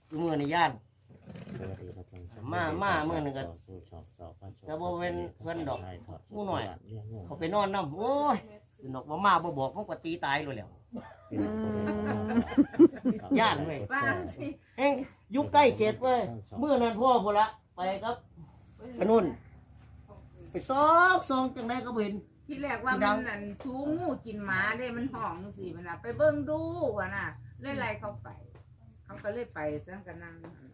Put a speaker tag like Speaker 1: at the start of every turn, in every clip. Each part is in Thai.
Speaker 1: มือในย่านมาเมื่อนึงก็แต่บ่เป็นเพื่อนดอกผู้หน่อยเขาไปนอนน้ำโอ้ยดอกมาบ่บอกมันก็ตีตายเลยแล้วย่านเว้ยเฮ้ยยุคใกล้เขตเว้ยเมื่อนั้นพ่อพุ่นละไปครับไปนู่นไปซองจังไดก็เห็น
Speaker 2: ที่แรกว่ามันนั่นชูงูกินหมาเลยมันห้องสิมันน่ะไปเบิ่งดูว่ะน่ะเลยไล่เขาไปเขาก็เลยไปซะกันนั่ง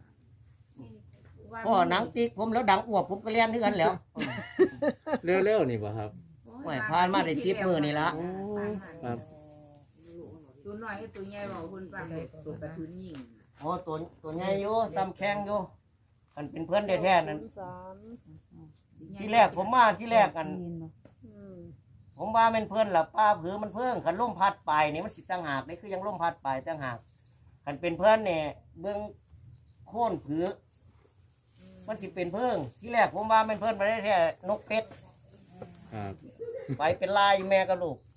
Speaker 1: พ่อหนังติ๊กผมแล้วดังอวบผมก็เรียนที่กันแล้ว
Speaker 3: เร็วๆนี่บ่ครับ
Speaker 1: ไม่ผ่านมาได้10 มื้อนี่ละ
Speaker 3: ครับ
Speaker 2: ตัวน้อยตัวใหญ่บอกคุณฟังตัวกระทุนยิง
Speaker 1: โอ้ตัวใหญ่อยู่ซ้ำแข้งอยู่มันเป็นเพื่อนแท้ๆนั่นที่แรกผมมาที่แรกกันผมว่าเป็นเพื่อนล่ะป้าผือมันเพิ่งขันล่มพัดไปนี่มันสิตั้งหากนี่คือยังล่มพัดไปตั้งหากขันเป็นเพื่อนเนี่ยเบื้องโค่นผือมันสิเป็นเพิ่งที่แรกผมว่าเป็นเพื่อนมาได้แค่นกเป็ด
Speaker 3: ครับ
Speaker 1: ไปเป็นลายแม่กับลูก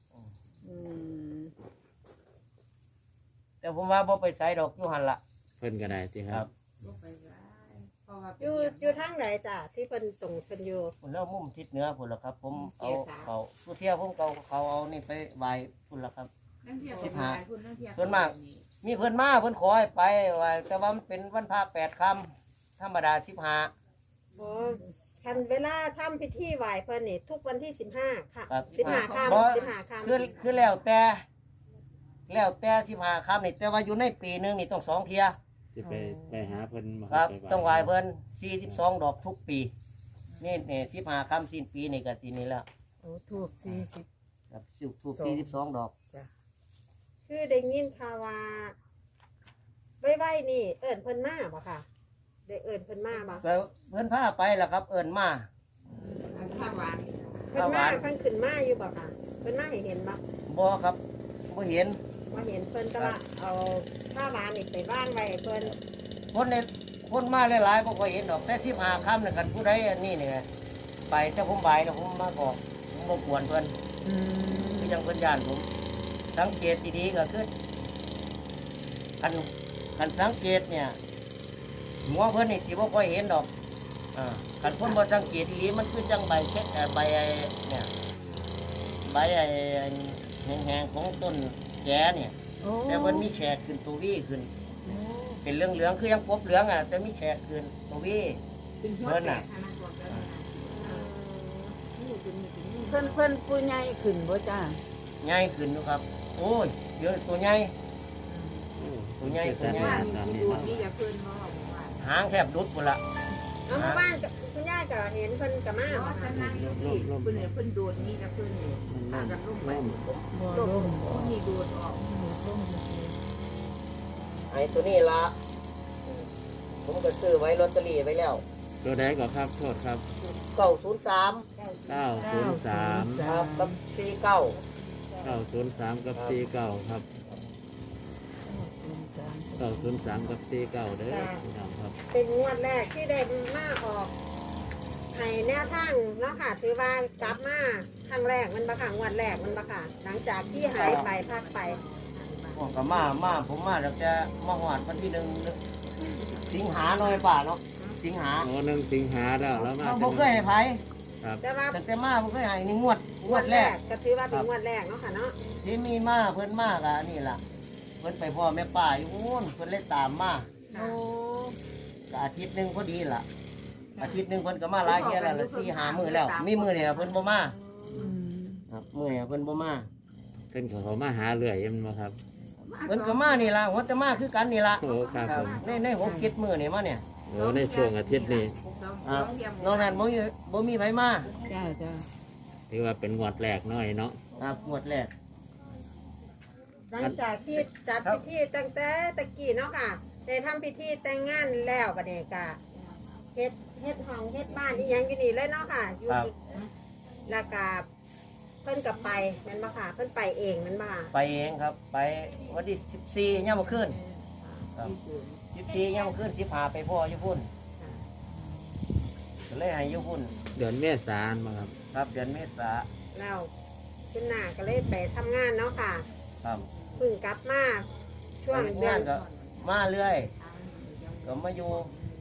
Speaker 1: แต่ผมว่าบ่ไปใส่ดอกอยู่หันละ
Speaker 3: เพิ่นก็ได้สิครับ
Speaker 4: อยู่ทางไหนจ้ะที่เป็นตรงเป็นอยู่
Speaker 1: ผมเล่ามุมทิศเหนือพุ่นละครับ ผมเอาเขาทุเที่ยวผมเขาเอานี่ไปไหว้พุ่นละครับส่วนมากมีเพิ่นมาเพิ่นขอให้ไปไหว้แต่ว่ามันเป็นวันพระ8 ค่ำธรรมดา15
Speaker 4: โอ้คันเวลาทำพิธีไหว้เพิ่นนี่ทุกวันที่15ค่ะ
Speaker 1: ครับ
Speaker 4: 15ค่ำ
Speaker 1: บ่
Speaker 4: 15ค่ำ
Speaker 1: คือแล้วแต่15 ค่ำนี่แต่ว่าอยู่ในปีหนึงนี่ต้อง2 เที่ย
Speaker 3: สิไปหาเพิ่นมา
Speaker 1: ครับ
Speaker 3: ไป
Speaker 1: ต้องไหว้เพิ่น42 ดอกทุกปีนี่15 ค่ำสิ้นปีนี่ก็ทีนี้แล้ว
Speaker 4: โอ้ถูก40
Speaker 1: ครับทุก42 ดอก
Speaker 4: คือได้ยินข่าวว่าไว้นี่เอิ้นเพิ่นมาบ่ค่ะได้เอิ้นเพิ่นมาบ่
Speaker 1: ก็เพิ่นพาไปล่ะครับ เอิ้นมา
Speaker 2: ข้าวหวาน
Speaker 4: เพิ่นมาเพิ่นขึ้นมาอยู่บ่ค่ะเพิ่นมาให้เห็นบ่
Speaker 1: บ่ครับบ่เห็น
Speaker 4: ว่าเห็นเพิ่นแต่ว่าเอาผ้าหวานนี่ไปบ้านไว้ให้เพิ่น
Speaker 1: คนมาหลายๆบ่ค่อยเห็นดอกแต่15 ค่ำนี่กันผู้ใดอันนี้เนี่ยไปแต่ผมบ่ายแล้วผมมาบอกผมบ่กวนเพิ่นคือจังเพิ่นย่านผมสังเกตดีๆก็คือคันสังเกตเนี่ยหัวเพิ่นนี่สิบ่ค่อยเห็นดอกคันเพิ่นบ่สังเกตดีๆมันคือจังใบเช็ดใบไอ้เนี่ยใบไอ้แห้งๆของต้นแกเนี่ยแต่เพิ่นมีแฉกขึ้นตัววี่ขึ้นเป็นเหลืองๆคือยังกบเหลืองแต่มีแฉกขึ้นตัววี่
Speaker 2: เพิ่นน่ะ
Speaker 5: เพิ่นผู้ใหญ่ขึ้นบ่จ้า
Speaker 1: ใหญ่ขึ้นอยู่ครับ โอ้ยเยอะตัวใหญ่ ตัวใหญ่ตัวใหญ่
Speaker 2: ว่ามีดูนี่อย่าเพิ่นบ่ว่า
Speaker 1: หางแทบดุดหมดละ
Speaker 4: เอามาบ้านกับคุณย่าก็เห็นเพิ่นก็มา
Speaker 2: เพราะ
Speaker 4: บ่
Speaker 2: ว่า
Speaker 4: ค่ะ
Speaker 2: ท่านนั่งอยู่ที่เพิ่นเนี่ยเพิ่นดูดนี่นะเพิ่นนี่พากันลงไป
Speaker 5: บ่ลง
Speaker 2: นี่ดูดออก
Speaker 1: ไอ้ตัวนี้ละผมก็ซื้อไว้ลอตเตอรี่ไว้แล้ว
Speaker 3: ตัวใดก็ครับโทษครับ
Speaker 1: 903
Speaker 3: 903
Speaker 1: ครับกับ49
Speaker 3: 903กับ49ครับ903กับ49เด้อพี่น้องครับ
Speaker 4: เป็นงวดแรกที่ได้มาออกให้แนวทางเนาะค่ะถือว่ากลับมาครั้งแรกมันบ่ค่ะงวดแรกมันบ่ค่ะหลังจากที่หายไปพักไป
Speaker 1: พวกก็มาผมมาแล้วจะมาหอดวันที่1 สิงหาหน่อยป่าเนาะสิงหา
Speaker 3: โอ้1 สิงหาแล้วแล้วมา
Speaker 1: เราบ่เคยให้ไผ
Speaker 3: ครับ
Speaker 4: แต่ว่า
Speaker 1: ตั้งแต่มาบ่เคยให้นี่งวดแรก
Speaker 4: ก็ถือว่าเป็นงวดแรกเนาะค่ะเนาะ
Speaker 1: ที่มีมาเพิ่นมาก็นี่ล่ะเพิ่นไปพ่อแม่ป้าอยู่นู้นเพิ่นเลยตามมา
Speaker 4: โอ้
Speaker 1: ก็อาทิตย์หนึงพอดีล่ะอาทิตย์หนึงเพิ่นก็มาหลายเที่ยแล้วละ4-5 มื้อแล้ว มีมื้อนี่ล่ะเพิ่นบ่มาครับมื้อนี่เพิ่นบ่มา
Speaker 3: เพิ่นเขามาหาเรื่อยแม่นบ่ครับ
Speaker 1: เพิ่นก็มานี่ล่ะหัวแต่มาคือกันนี่ล่ะ
Speaker 3: โอ้ครับผม
Speaker 1: ใน6-7 มื้อนี่มาเนี่ย
Speaker 3: โอ้ในช่วงอาทิตย์นี้
Speaker 1: นอกนั้นบ่มีไผมา
Speaker 5: จ้าจ้า
Speaker 3: ถือว่าเป็นงวดแรกน้อยเนาะ
Speaker 1: ครับงวดแรก
Speaker 4: หลังจากที่จัดพิธีตั้งแต่ตะกี้เนาะค่ะได้ทำพิธีแต่งงานแล้วบัดนี้ก็เฮ็ดห้องเฮ็ดบ้านอีหยังอยู่นี่เลยเนาะค่ะอยู่แล้วก็เพิ่นก็ไปแม่นบ่ค่ะเพิ่นไปเองแม่นบ่ค่ะ
Speaker 1: ไปเองครับ ไปวันที่14ยามมื้อคืนครับ14ยามมื้อคืน15ไปพ่ออยู่พุ่นก็เลยให้อยู่พุ่น
Speaker 3: เดือนเมษายนมาครับ
Speaker 1: ครับเดือนเมษา
Speaker 4: แล้วคุณนาก็เลยไปทำงานเนาะค่ะ
Speaker 1: ครับ
Speaker 4: เพิ่งกลับมาช่วงเดือน
Speaker 1: ก็มาเรื่อยก็มาอยู่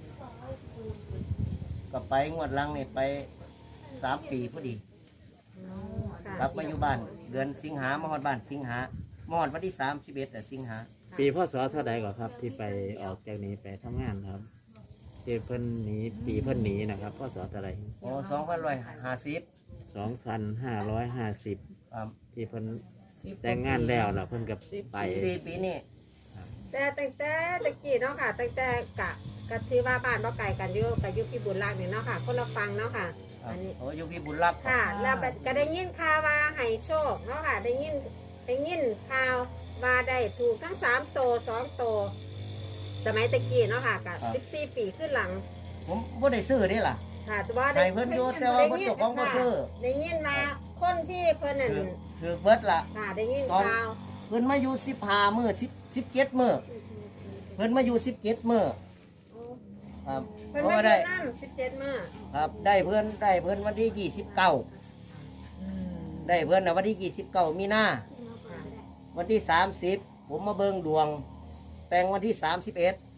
Speaker 1: ก็ไปงวดหลังนี่ไป3 ปีพอดี
Speaker 4: ค่ะ
Speaker 1: กลับมาอยู่บ้านเดือนสิงหามาฮอดบ้านสิงหามาฮอดวันที่31สิงหา
Speaker 3: ปีพศเท่าใดก่อนครับ ที่ไปออกจากนี้ไปทำงานครับที่เพิ่นหนีปีเพิ่นหนีนะครับพศเท่าใด
Speaker 1: โอ้2550
Speaker 3: 2550
Speaker 1: ครับ
Speaker 3: ที่เพิ่นแต่งงานแล้วล่ะเพิ่นกับไป
Speaker 1: 4 ปีนี่
Speaker 4: แต่ตั้งแต่ตะกี้เนาะค่ะตั้งแต่กะถือว่าบ้านบ่ไกลกันอยู่กับอยู่พี่บุญรักนี่เนาะค่ะคนละฟังเนาะค่ะ
Speaker 1: ครับ
Speaker 4: อันนี้
Speaker 1: โอ้อยู่พี่บุญรัก
Speaker 4: ค่ะ แล้วก็ได้ยินข่าวว่าให้โชคเนาะค่ะได้ยินข่าวว่าได้ถูกทั้ง3โต2โตสมัยตะกี้เนาะค่ะกับ14 ปีขึ้นหลัง
Speaker 1: ผมบ่ได้ซื้อนี่ล่ะ
Speaker 4: ค่ะแต่ว่า
Speaker 1: ให้เพิ่นอยู่แต่ว่าเพิ่นเจ้าของบ่ซื้อ
Speaker 4: ได้ยินมาคนที่เพิ่นนั่น
Speaker 1: ถือเบิดล่ะ
Speaker 4: ค่ะได้ยินข่าว
Speaker 1: เพิ่นมาอยู่15มื้อ17มื้อเพิ่นมาอยู่17มื้อครับ
Speaker 4: เพิ่น
Speaker 1: เพราะ
Speaker 4: มา
Speaker 1: ว่า
Speaker 4: อ
Speaker 1: ได้
Speaker 4: ยู่นั่น17มื้อ
Speaker 1: ครับได้เพิ่นวันที่29ได้เพิ่นน่ะวันที่29มีนาวันที่30ผมมาเบิ่งดวง แต่งวันที่31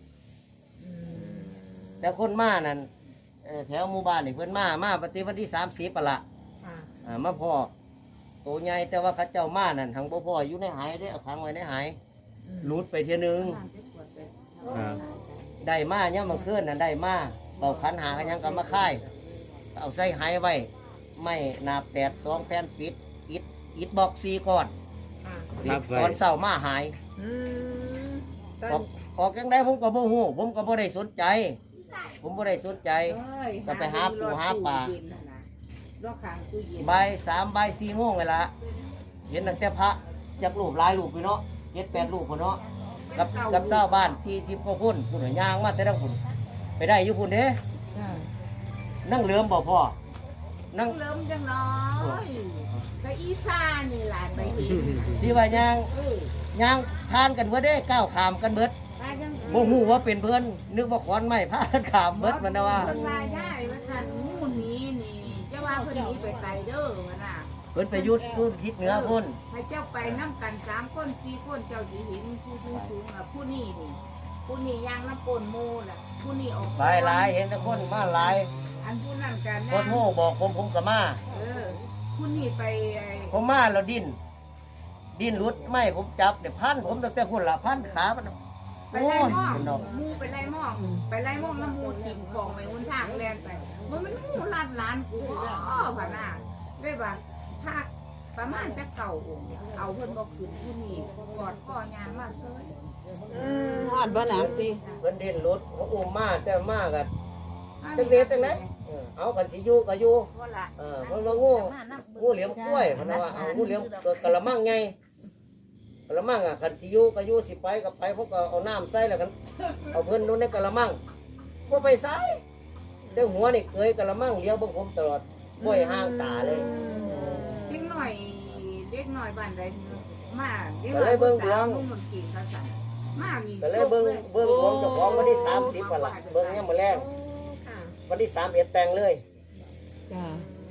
Speaker 1: แต่คนมานั่นแถวหมู่บ้านนี่เพิ่นมาปฏิวันที่30ปะละ
Speaker 4: ค่ะ
Speaker 1: มาพ่อโตใหญ่แต่ว่าเขาเจ้ามานั่นทางบ่พ่ออยู่ในหายได้เอาขังไว้ในหายหลุดไปเทียนึง
Speaker 3: ครับ
Speaker 1: ได้มาเนี่ยามมาเคลื่อนนั่นได้มาเป่าขันหากันยังก็มาค่ายเอาใส่หายไว้ไม่นาบ8 2แผ่นปิดอิดบอก4ก้อน
Speaker 4: ค่ะ
Speaker 3: รับไว้
Speaker 1: ตอนเช้ามาหาย
Speaker 4: อืมต
Speaker 1: อ
Speaker 4: อ
Speaker 1: อน กออกจังไดผมก็บ่ฮู้ผมก็บ่ได้สนใจ ผมบ่ได้สนใจ ก็ไปหาปูหาปลา
Speaker 2: รอบข้างตู้เย็น
Speaker 1: บ่าย3บ่าย4โมงเวลาเห็นตั้งแต่พระจักรูปหลายรูปอยู่เนาะ7-8รูปพุ่นเนาะกับเจ้าบ้าน40กว่าคนพุ่นน่ะย่างมาแต่ทางพุ่นไปได้อยู่พุ่นเด้นั่งเหลือมบ่พ่อนั่ง
Speaker 2: เริ่มจังน้อยก็อีซ่านี่แหละไปเห็น
Speaker 1: ที่ว่าย่าง
Speaker 2: เออย่าง
Speaker 1: ทานกันเบิดเด้ก้าวขามกันเบิด
Speaker 2: ไปจัง
Speaker 1: บ่ฮู้ว่าเป็นเพิ่นนึกว่าขอนไม้พากันขามเบิดมันนะว่า
Speaker 2: เพิ่นว่าได้ว่าท่านงูนี้นี่จะว่าเพิ่นหนีไปไกลเด้อว่าน่ะ
Speaker 1: เพิ่นไปยุดพุ่นทิศเหนือพุ่น
Speaker 2: ให้เจ้าไปน้ำกัน3 คน4 คนเจ้าสิเห็นผู้สูงอ่ะผู้นี้นี่ผู้นี้ย่างน้ำปนหมูล่ะผู้นี้ออก
Speaker 1: หลายเห็นแต่คนมาหลาย
Speaker 2: อันผู้นั้นกัน
Speaker 1: พอโทรบอกผมก็มา
Speaker 2: ผู้นี้ไป
Speaker 1: ผมมาแล้วดิ้นรุดไม่ผมจับเนี่ยพันผมตั้งแต่พุ่นละพันขามัน
Speaker 2: ไปไล่หม้อง
Speaker 1: เป็นดอก
Speaker 2: หมูไปไล่หม้องไปไล่หม้องน้ำมูถิ่มของไปหุ่นทางแลนไปมันหมูล้านล้านกูอ๋อผ่าน่ะได้ป่ะถ้าประมาณจะเก่าองค์เอาเพิ่นบอกขึ้นผู้นี้กอดพ่อยางมาเฉย
Speaker 5: ฮอดบ่หนังติ
Speaker 1: เพิ่นดิ้นรุดเขาอุ้มมาแต่มากันจังเด็ดจังไดเอากันสิอยู่ก็อยู่
Speaker 2: ว่าละ
Speaker 1: เพิ่นว่างูเหลี่ยมกล้วยเพิ่นว่าเอางูเหลี่ยมกะละมังไงกะละมังอ่ะคันสิอยู่ก็อยู่สิไปก็ไปพวกก็เอาน้ำใส่แล้วกันเอาเพิ่นนู้นในกะละมังบ่ไปใส่เจ้าหัวนี่เคยกะละมังเลี้ยวเบิ่งผมตลอดบ่ให้ห่างตาเลย
Speaker 2: เล็กหน่อยเล็กหน่อยบ้านใดมาเล็ก
Speaker 1: ก็
Speaker 2: หน่
Speaker 1: เล
Speaker 2: อย
Speaker 1: ยเบิ่งดวง
Speaker 2: มึงเมืองกินเขาสั่นมานี่
Speaker 1: ก็เลยเบิ่งดวงเจ้าของวันที่30วันละเบิ่งยามมื้อแลง
Speaker 4: ค่ะ
Speaker 1: วันที่31แต่งเลย
Speaker 5: จ้า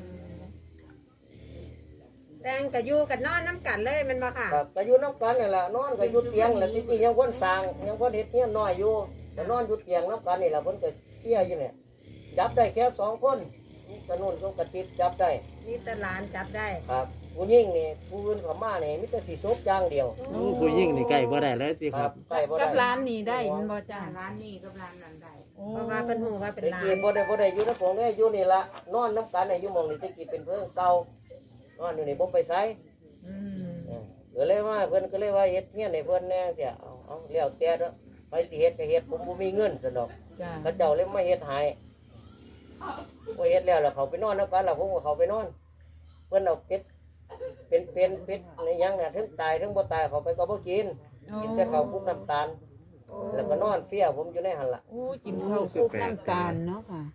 Speaker 4: แต่งกับอยู่กับนอนน้ำกันเลยแมันบ่ค่ะ
Speaker 1: ครับก็อยู่นำกันนี่ล่ะนอนก็อยู่เตียงแล้วที่ยังคนสร้างยังคนเฮ็ดเฮียนน้อยอยู่ก็นอนอยู่เตียงนำกันนี่ล่ะเพิ่นก็เที่ยอยู่เนี่ยจับได้แค่2คนนี่กระนุ่นก็กระติดจับได้
Speaker 4: นี่ตะหลานจับได้
Speaker 1: ครับผู้หญิงนี่ผู้อื่นเขามานี่มีแต่สิซบอย่างเดียว
Speaker 3: โอ้ผู้ยิ่งนี่ใกล้บ่ได้เลยสิครับ
Speaker 1: ใกล้บ่ได้
Speaker 5: กับร้านนี่ได้มันบ่จ้า
Speaker 2: ร้านนี้กับร้านนั้นได้
Speaker 4: เพราะว่าเป็นหูว่าเป็น
Speaker 1: ตะ
Speaker 4: หลา
Speaker 1: กี้
Speaker 4: น
Speaker 1: บ่ได้อยู่นำผมได้อยู่นี่ล่ะนอนนำกันนี่อยู่หม่องนี่ตะกี้เป็นเพิ่งเก่านอนอยู่นี่บ่ไปไส
Speaker 5: อืม
Speaker 1: ก็เลยว่าเพิ่นก็เลยว่าเฮ็ดเฮียนให้เพิ่นแน่เสียเอาแล้วแต่เด้อไปสิเฮ็ดก็เฮ็ดผมบ่มีเงินซั่นดอก
Speaker 5: จ้า
Speaker 1: เขาเจ้าเลยมาเฮ็ดให้พอเฮ็ดแล้วเขาไปนอนนำกันแล้วผมก็เขาไปนอน เพิ่นเอาเป็ดในยังน่ะถึงตายถึงบ่ตายเขาไปก็บ่กินกินแต่ข้าวคลุกน้ำตาล แล้วก็นอนเฟี้ยผมอยู่ในหั่นล่ะ
Speaker 5: โอ้กินข้าวคลุกน้ำตาลเนาะค่ะ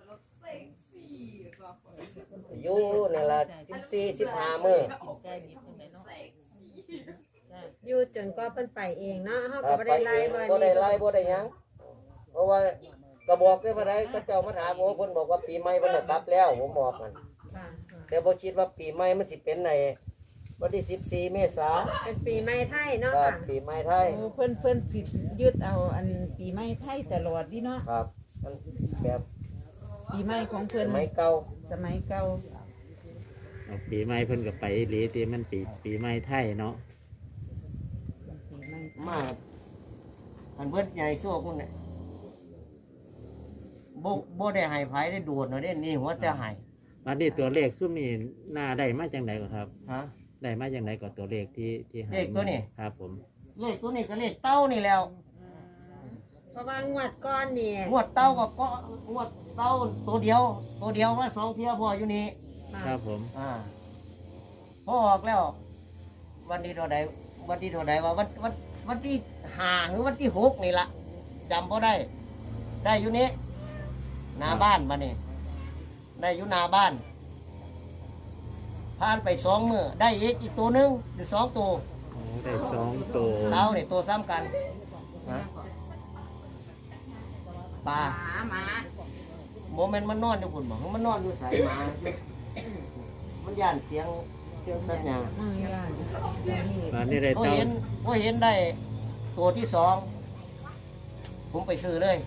Speaker 1: อยู่นี่ล่ะ14 15มื้อ
Speaker 4: อยู่จนก็เพิ่นไปเองเนาะเฮา
Speaker 1: ค
Speaker 4: ก็
Speaker 1: รับ
Speaker 4: บ่
Speaker 1: ไป
Speaker 4: ได้
Speaker 1: เอ
Speaker 4: ไล่
Speaker 1: ง
Speaker 4: บ่
Speaker 1: บ่ได้
Speaker 4: นี่
Speaker 1: ไล่บ่ได้หยังเพราะว่าก็บอกได้ว่าใดก็เจ้ามาถามผมเพิ่นบอกว่าปีใหม่เพิ่นน่ะกลับแล้วผมบอกมัน
Speaker 4: ค่ะ
Speaker 1: แต่บ่คิดว่าปีใหม่มันสิเป็นวันที่14 เมษายน
Speaker 4: เป็นปีใหม่ไทยเนาะ
Speaker 1: ครับ
Speaker 4: ค่ะ
Speaker 1: ปีใหม่ไทย
Speaker 5: โอ้เพิ่นสิยึดเอาอันปีใหม่ไทยตลอดดิเนาะ
Speaker 1: ครับมันแบบ
Speaker 5: ปีใหม่ของ
Speaker 1: ส
Speaker 5: เพิ่น
Speaker 1: มัยเก่า
Speaker 5: สมัยเก่า
Speaker 3: เอาปีใหม่เพิ่นก็ไปอีหลีตีมันปีใหม่ไทยเนาะ
Speaker 5: ปีใหม่
Speaker 1: มาอันเพิ่นใหญ่โชคมันเนี่ยบ่ได้ให้ไผได้ดูดเนาะเด้นี่หัวแต่ให้
Speaker 3: วันนี้ตัวเลขซุ่มนี่หน้าได้มาจังไดก่อนครับ
Speaker 1: ฮะ
Speaker 3: ได้มาจังไดก่อนตัวเลขที่ให้
Speaker 1: เลขตัวนี้
Speaker 3: ครับผม
Speaker 1: เลขตัวนี้ก็เลขเต้านี่แล้ว
Speaker 4: เพราะว่างวดก้อนนี่
Speaker 1: งวดเต้าก็งวดเต้าตัวเดียวมา2เที่ยพออยู่นี่
Speaker 3: ครับผม
Speaker 1: พอออกแล้ว วันที่เท่าใดว่าวันที่5หรือวันที่6นี่ล่ะจำบ่ได้ ได้อยู่นี้หน้าบ้านมานี่ได้อยู่หน้าบ้านผ่านไป2 มื้อได้อีกตัวหนึงหรือ2ตัว
Speaker 3: โอ้ได้2ตัว
Speaker 1: เต้านี่ตัวซ้ำกันฮะปลา
Speaker 2: หมา
Speaker 1: โมเมนต์มันนอนอยู่พุ่นบ่มันนอนอยู่สายหมามันย่านเสียงสัญญาณ
Speaker 5: มือย่านนี่
Speaker 3: วันนี้ได้
Speaker 1: พอ
Speaker 3: เต้า
Speaker 1: เห็นได้ตัวที่สองผมไปซื้อเลย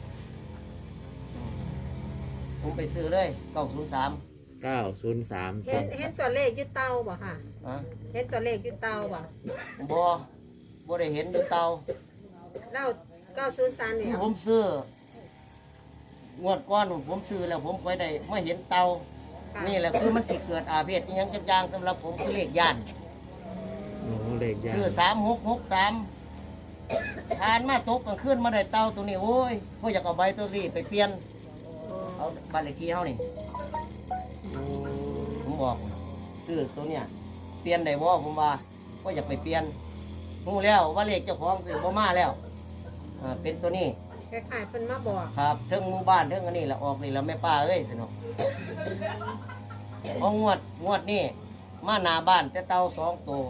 Speaker 1: 903
Speaker 3: 903
Speaker 4: เห็นตัวเลขอยึดเตาบ่ค่ะ
Speaker 1: ฮะ
Speaker 4: เห็นตัวเลขอยึดเตาบ่
Speaker 1: บ่ได้เห็นอยู่เตา
Speaker 4: เล่า903นี่
Speaker 1: ที่ผมซื้องวดก้อนผมซื้อแล้วผมไปได้ไม่เห็นเตา
Speaker 4: ค่ะ
Speaker 1: นี่แหละคือมันสิเกิดอาเพศอีหยังจังๆสำหรับผมคือเลขย่าน
Speaker 3: โอ้เลขยา
Speaker 1: คือ3663ผ่านมาตกกลางคืนมาได้เตาตัวนี้โอ้ยพ่ออยากเอาใบตัวนี้ไปเปลี่ยนเอาบ้านเลขที่เฮานี่ผมบอกซื้อตัวเนี้ยเปลี่ยนได้บ่ผมว่าพ่ออยากไปเปลี่ยนฮู้แล้วว่าเลขเจ้าของซื้อบ่มาแล้วเป็นตัวนี้
Speaker 4: คล้ายๆเพิ่นมาบอก
Speaker 1: ครับเทิงหมู่บ้านเทิงอันนี้ละออกนี่ละแม่ป้าเอ้ยสนุกพองวดนี่มาหน้าบ้านแต่เตา2ตัว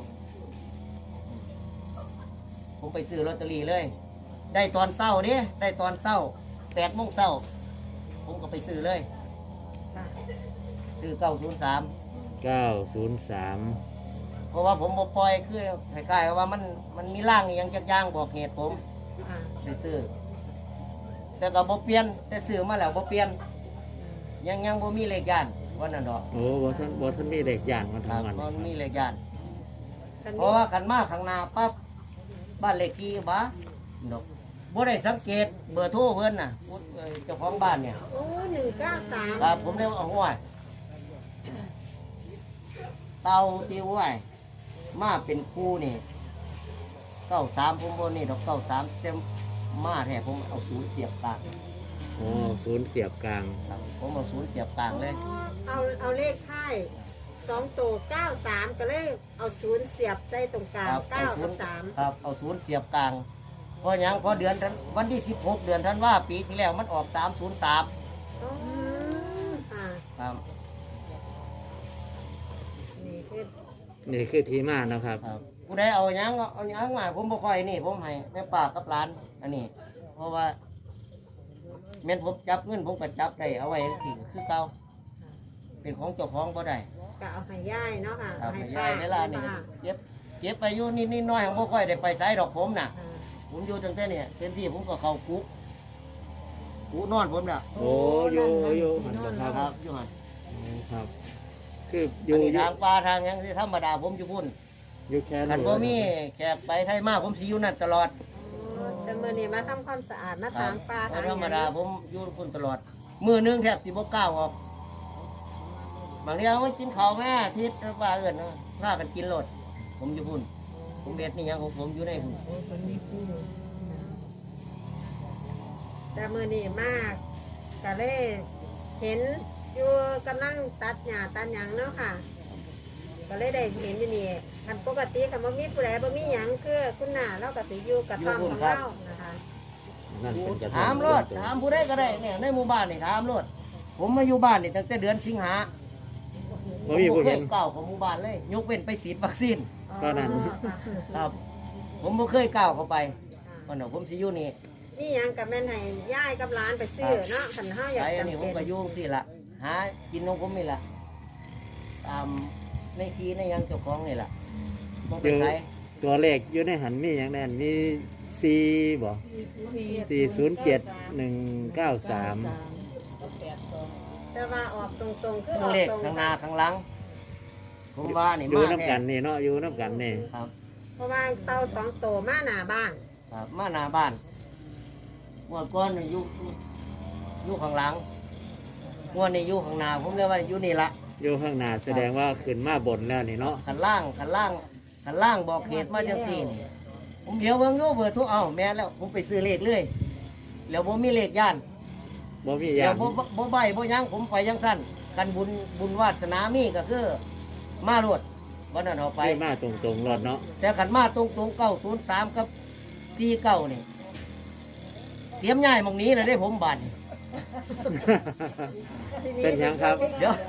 Speaker 1: ผมไปซื้อลอตเตอรี่เลย ได้ตอนเช้าเด้ได้ตอนเช้า8 โมงเช้าผมก็ไปซื้อเลย
Speaker 4: ค่ะ
Speaker 1: ซื้อ903
Speaker 3: 903
Speaker 1: เพราะว่าผมบ่ปล่อยคือคล้ายๆว่ามันมีร่างอหยังจักอย่างบอกเหตุผม
Speaker 4: ค่ะ
Speaker 1: ไปซื้อ แต่ก็บ่เปลี่ยนแต่ซื้อมาแล้วบ่เปลี่ยนยังบ่มีเลขย่านวันนั้นดอก
Speaker 3: โอ้บ่ทันมีเลขย่านมา
Speaker 1: ครั
Speaker 3: ทำ
Speaker 1: บ
Speaker 3: มัน
Speaker 1: มันมีเลขย่าน
Speaker 4: คัน
Speaker 1: เพ
Speaker 4: นี้
Speaker 1: ราะว่ากันมาข้างหน้าปั๊บบ้านเลขที่บ้าดอกบ่ได้สังเกตเบอร์โทรเพิ่นน่ะเจ้าของบ้านเนี่ย
Speaker 4: โอ้193
Speaker 1: ครับผมได้เอาห้วยเตาที่ห้วยมาเป็นคู่นี่93ผมบ่นี่ดอก93เต็มมาแท้ผมเอาศูนย์เสียบกลาง
Speaker 3: โอ้ศูนย์เสียบกลาง
Speaker 1: ครับผมเอาศูนย์เสียบกลางเลย
Speaker 4: เอาเลขท้าย2ตัว93ก็เลยเอา0เสียบใส่ตรงกลาง
Speaker 1: ครับ
Speaker 4: 9กับ3
Speaker 1: ครับเอาศูนย์เสียบกลางเพราะหยังเพราะเดือนธันวันที่16 เดือนธันวาปีที่แล้วมันออก303
Speaker 4: อ๋อค่ะ
Speaker 1: ครับ
Speaker 4: นี่คือ
Speaker 3: นี่คือที่มาเนาะครับ
Speaker 1: ครับผู้ใดเอาหยังมาผมบ่ค่อยนี่ผมให้แม่ป้ากับหลานอันนี้ เพราะว่าแม่นผมจับเงินผมก็จับได้เอาไว้จังซี่ก็คือเก่าเป็นของเจ้าของบ่ได้
Speaker 4: ก็เอาให้ย่ายเนาะค่ะ
Speaker 1: ครับ
Speaker 4: ให้
Speaker 1: ให้ยายเวลานี่
Speaker 4: ค่ะ
Speaker 1: เก็บไปอยู่นิดๆน้อยๆผมบ่ค่อยได้ไปไสดอกผมน่ะ
Speaker 4: ค่ะ
Speaker 1: ผมอยู่ตั้งแต่เนี่ยเต็มที่ผมก็เข้าคุกนอนผมน่ะ
Speaker 3: โอ้อยู่มันบ่ครับ
Speaker 1: ครับอยู่หั่น
Speaker 3: โอ้ครับ คืออ
Speaker 1: อั
Speaker 3: ยู่
Speaker 1: นนี้ทางป่าทางหยังที่ธรรมดาผมอยู่พุ่น
Speaker 3: อยู่แค่
Speaker 1: คัน
Speaker 3: นี้
Speaker 1: บ่มีแขกไปไทยมาผมสิอยู่นั่นตลอด
Speaker 4: แต่มื้อนี้มาทำความสะอาดมาถางปลา
Speaker 1: เพ
Speaker 4: ถาง
Speaker 1: ราะธรรม
Speaker 4: หยัง
Speaker 1: ดาผมอยู่พุ่นตลอดมือหนึงแทบสิบ่ก้าวออกบางทีเอาไว้กินข้าวแม่ทิศว่าเอิ้นพากันกินโลดผมอยู่พุ่นผมเบ็ดนี่หยังของผมอยู่ในพุ่น
Speaker 4: แต่มื้อนี้มากก็เลยเห็นอยู่กำลังตัดหญ้าตัดหยังเนาะค่ะ ก็เลยได้เห็นอยู่นี่คันปกติคันบ่มีผู้ใดบ่มีหยังคือคุณหน้าเราก็สิอยู่กับต้อมของเรานะคะ
Speaker 3: นั่นเป็นกระท่อ
Speaker 1: ถามโลดถามผู้ใดก็ได้เนี่ยในหมู่บ้านนี่ถามโลดผมมาอยู่บ้านนี่ตั้งแต่เดือนสิงหา
Speaker 3: บ่มีผู้
Speaker 1: เค
Speaker 3: เห็
Speaker 1: ย
Speaker 3: น
Speaker 1: ก้าวของหมู่บ้านเลย ยกเว้นไปฉีดวัคซีน
Speaker 3: ก็นั่น
Speaker 1: ครับ ผมบ่เคยก้าวเข้าไปวันนั้นผมสิอยู่นี่
Speaker 4: นี่หยังกับแม่นให้ย่ายกับหลานไปซื้อเนาะคันเฮาอยาก
Speaker 1: ไปอัน
Speaker 4: จำ
Speaker 1: นี้ผม
Speaker 4: เป็น
Speaker 1: ก็อยู่สิล่ะหากินของผมนี่ล่ะตามในทีในหยังเจ้าของนี่ล่ะบ่ไปไส
Speaker 3: ตัวเลขอยู่ในหันมีอย่างแน่นมี4บ่407-193
Speaker 4: แต่ว่าออกตรงๆคืออ
Speaker 1: ทั้
Speaker 4: อง ก
Speaker 1: เลข
Speaker 4: ตรง
Speaker 1: ข้างหน้าข้างหลัง ผมว่านี่
Speaker 3: อยู่
Speaker 1: มา
Speaker 3: น้ำ
Speaker 1: แท้
Speaker 3: กันนี่เนาะอยู่น้ำกันนี่
Speaker 1: ครับ
Speaker 4: เพราะว่าเตา2ตัวมาหน้าบ้าน
Speaker 1: ครับมาหน้าบ้านงวดก่อนนี่อยู่ข้างหลังงวดนี้อยู่ข้างหน้าผมเรียกว่าอยู่นี่ละ
Speaker 3: อยู่ข้างหน้าแสดงว่าขึ้นมาบนแล้วนี่เนาะ
Speaker 1: ขันล่างบอกเหตุมาจังซี่นี่ผมเดี๋ยวเบิ่งอยู่เบอร์โทรเอาแม่นแล้วผมไปซื้อเลขเลยแล้วผมมีเลขย่าน
Speaker 3: บ่มีอ
Speaker 1: เดี๋
Speaker 3: ย่า
Speaker 1: ยว
Speaker 3: ง
Speaker 1: บ่ใบบ่หยังผมไปยังสั้นกันบุญวาสนามีก็คือมาโลดวันนั้นเอาไป
Speaker 3: ไปมาตรงๆรถเนาะ
Speaker 1: แต่ขันมาตรง903กับ49นี่เตรียมย้ายหมองนี้เลยได้ผมบัดนี่
Speaker 3: เป็นหยังครับ
Speaker 1: เดี๋ยว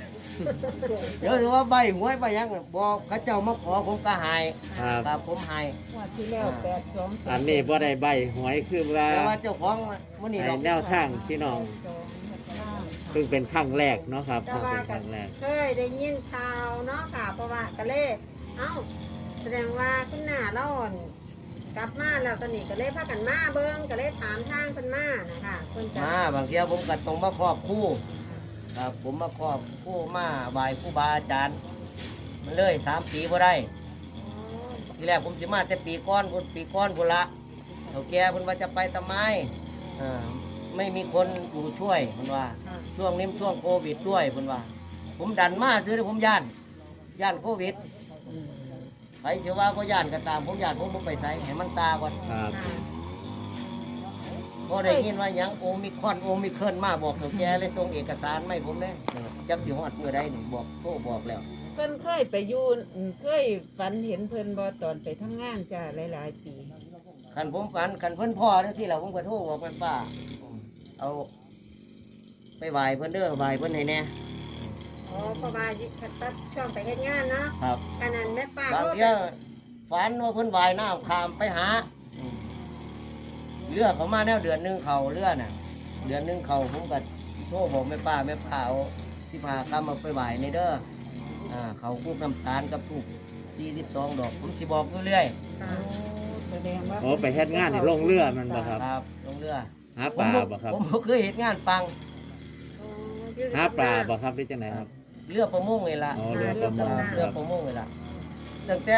Speaker 1: ว่าใบหวยใบหยังบอกเขาเจ้ามาขอผมก็ใหาย
Speaker 3: ครับ
Speaker 1: ครับผมใหาย
Speaker 5: ว่าที่แล้ว8-2
Speaker 3: อันนี้บ่ได้ใบหวยคือว่า
Speaker 1: แต่ว่าเจ้าของมื้อนี้
Speaker 3: ใน
Speaker 1: ดอก
Speaker 3: แนวทางพี่น้องเพิ่งเป็นครั้งแรกเนาะครับ
Speaker 4: แต่
Speaker 3: เพิ่ง
Speaker 4: ว่า
Speaker 3: เป็นค
Speaker 4: ก็
Speaker 3: รั้งแรก
Speaker 4: เคยได้ยินข่าวเนาะค่ะเพราะว่าก็เลยเอ้าแสดงว่าคุณหน้าเราอ่อนกลับมาแล้วตอนนี้ก็เลยพากันมาเบิ่งก็เลยถามทางเพิ่นมานะคะเพิ่นจะ
Speaker 1: มาบางเทีผมก็ต้องมาครอบครู่ครับผมมาครอบครู่มาไหว้ครูบาอาจารย์มันเลย3 ปีบ่ได้ ทีแรกผมสิมาแต่ปีก้อนพุ่นละเฒ่าแก่เพิ่นว่าจะไปทำไมไม่มีคนอยู่ช่วยเพิ่นว่า ช่วงนี้มันช่วงโควิดด้วยเพิ่นว่า ผมดันมาซื้อผมย่านโควิดไปเชื่อว่าก็ย่านก็ตามผมย่านผมบ่ไปไสให้มันตาก่อน
Speaker 3: ครับ
Speaker 1: พอได้ยินว่าหยังโอมิครอนโอมิเคิลมาบอกเฒ่าแก่เลยส่งเอกสารมาให้ผมเลยจักสิฮอดมื้อใดนี่บอกโทรบอกแล้ว
Speaker 5: เพิ่นเคยไปอยู่เคยฝันเห็นเพิ่นบ่ตอนไปทำงานจ้าหลายๆปี
Speaker 1: คันผมฝันคันเพิ่นพ่อจังซี่ล่ะผมก็โทรบอกแม่ป้าเอาไปไหว้เพิ่นเด้อไหว้เพิ่นให้แน่
Speaker 4: อ๋อเพราะว่าตัดช่วงไปเฮ็ดงานเนาะ
Speaker 1: ครับ
Speaker 4: ขนาดแม่ป้า
Speaker 1: บาง
Speaker 4: โทร
Speaker 1: เที่ยฝันว่าเพิ่นว่ายน้ำข้ามไปหาเรือเขามาแนวเดือนหนึงเขาเรือน่ะ เดือนหนึงเขาผมก็โทรบอกแม่ป้าเอาที่พาข้ามมาไปไหว้ในเด้อเขาคู่น้ำตาลกับทูบ42 ดอกผมสิบอกเรื่อย
Speaker 4: ค่ะ
Speaker 5: แสดงว่า
Speaker 3: โอ้ไปเฮ็ดงานนี่ลงเรือมันบ่ครับ
Speaker 1: ๆครับลงเรือ
Speaker 3: หาปลาบ่ครับ
Speaker 1: ผมเคยเห็นงานฟัง
Speaker 4: อ๋ออยู่
Speaker 3: หาปลาบ่ครับหรือจังไดครับ
Speaker 1: เรือประมงเลยล่ะ
Speaker 3: อ๋อเรือประมง
Speaker 1: เรือ
Speaker 3: ครับ
Speaker 1: ประมงเลยล่ะตั้งแต่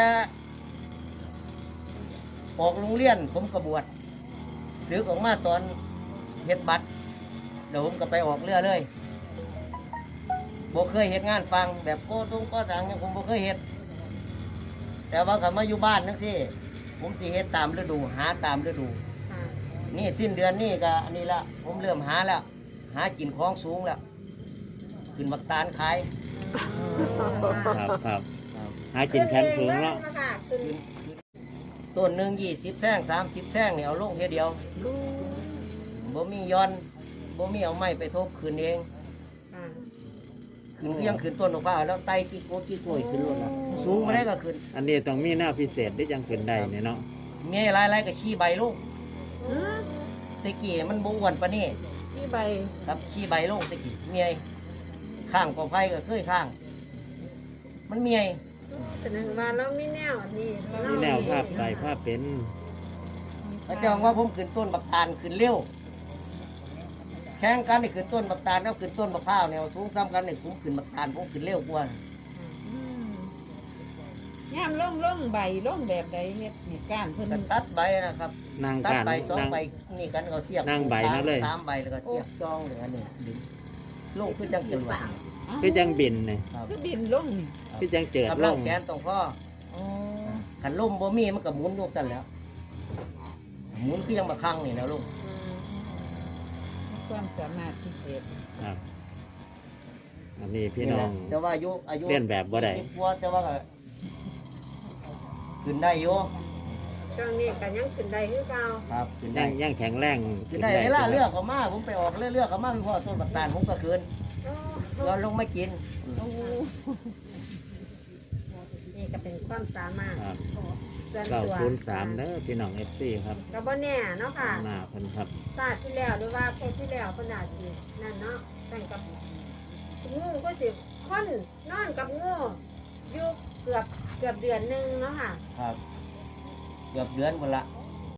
Speaker 1: ออกโรงเรียนผมกระบวชซื้อออกมาตอนเฮ็ดบัตรเดี๋ยวผมก็ไปออกเรือเลยบ่เคยเฮ็ดงานฟังแบบโก้ตุ้งก็ต่างยังผมบ่เคยเฮ็ดแต่ว่าเขามาอยู่บ้านนั่นสิผมสิเฮ็ดตามฤดูหาตามฤดู
Speaker 4: ค่ะ
Speaker 1: นี่สิ้นเดือนนี่ก็อันนี้ละผมเริ่มหาแล้ว หากินของสูงแล้วขึ้นบักตาลขาย
Speaker 3: ครับครับหากินแคนสูงเนาะ
Speaker 4: ค่ะขึ้น
Speaker 1: ต้นหนึ่ง20 แท่ง30 แท่งเนี่ยเอาลงเทีเดียวบ่มีย้อนบ่มีเอาไม้ไปทบขึ้นเอง
Speaker 4: ค่ะ
Speaker 1: ขึ้นเพียงขึ้นต้นมะพร้าวแล้วไต่กี่โกดกี่กล้วยขึ้นรถละสูงมาได้ก็ขึ้น
Speaker 3: อันนี้ต้องมีหน้าพิเศษที่จังขึ้นได้เนี่ยเนาะ
Speaker 1: เมียหลายๆก็ขี้ใบลงตะกี้มันบ่อ้วนปานนี้
Speaker 5: ที่ใบ
Speaker 1: ครับขี้ใบลงตะกี้เมียข้างกอไผ่ก็เคยข้าง มันเมีย
Speaker 4: แสดงว่าเรามีแนวอันนี้เรา
Speaker 3: มีแนวภาพใดภาพเป็น
Speaker 1: พระเจ้าว่าผมขึ้นต้นบักตาลขึ้นเร็วแข่งกันนี่ขึ้นต้นบักตาลแล้วขึ้นต้นมะพร้าวเนี่ยสูงซ้ำกันนี่ผมขึ้นบักตาลผมขึ้นเร็วกว่า
Speaker 5: ย่ามล่องใบล่องแบบใดเฮ็ดเหตุการณ์เพิ่น
Speaker 1: ก็ตัดใบนะครับ
Speaker 3: นาง
Speaker 1: ตัด
Speaker 3: การ
Speaker 1: ใบสอง
Speaker 3: นาง
Speaker 1: ใบนี่กันก็เสียบ
Speaker 3: นั่งใบนั่นเลย
Speaker 1: 3 ใบแล้วก็เสียบจองเลยอันนี้ดึงลงขึ้นจังจรวด
Speaker 3: คือจังบินเนี่ย
Speaker 1: ครับ
Speaker 5: คือบินล่องนี่
Speaker 3: คือจังเจิด
Speaker 1: กำ
Speaker 3: ล
Speaker 1: ลัง
Speaker 3: ง
Speaker 1: แขนตรงข้อ
Speaker 5: อ๋อ
Speaker 1: ขันล่มบ่มีมันก็หมุนลูกกันแล้ว หมุนคือยังมาคังนี่นะลูก
Speaker 5: มีความสามารถพิเศษ
Speaker 3: ครับอันนี้พี่น้อง
Speaker 1: แต่ว่าอายุ
Speaker 3: เรียนแบบบ่ได้
Speaker 1: กว่าแต่ว่าก็ขึ้นได้อยู่
Speaker 4: ช่วงนี้ก็ยังขึ้นได้คือเก่า
Speaker 1: ครับขึ้นได้
Speaker 3: ยังแข็งแรง
Speaker 1: ขึ้นได้เวลาเลือกเขามาผมไปออกเลือกเขามาพี่พ่อต้นบักตาลผมก็คืน
Speaker 4: โอ้
Speaker 1: เราลงไม่กิน
Speaker 5: โอ้
Speaker 4: นี่ก็เป็นความสามารถ
Speaker 3: ครับ
Speaker 4: ส่วนตัว
Speaker 3: 903เด้อพี่น้อง FC ครับ
Speaker 4: ก็บ่แน่เนาะค่ะ
Speaker 3: หน้าเพิ่นครับ
Speaker 4: ศาสตร์ที่แล้วหรือว่าเพศที่แล้วเพิ่นอาจสินั่นเนาะแต่งกับงูก็สิคนนอนกับงูอยู่เกือบเกือบเดือนหนึงเนาะค่ะ
Speaker 1: ครับ เกือบเดือนหมดละ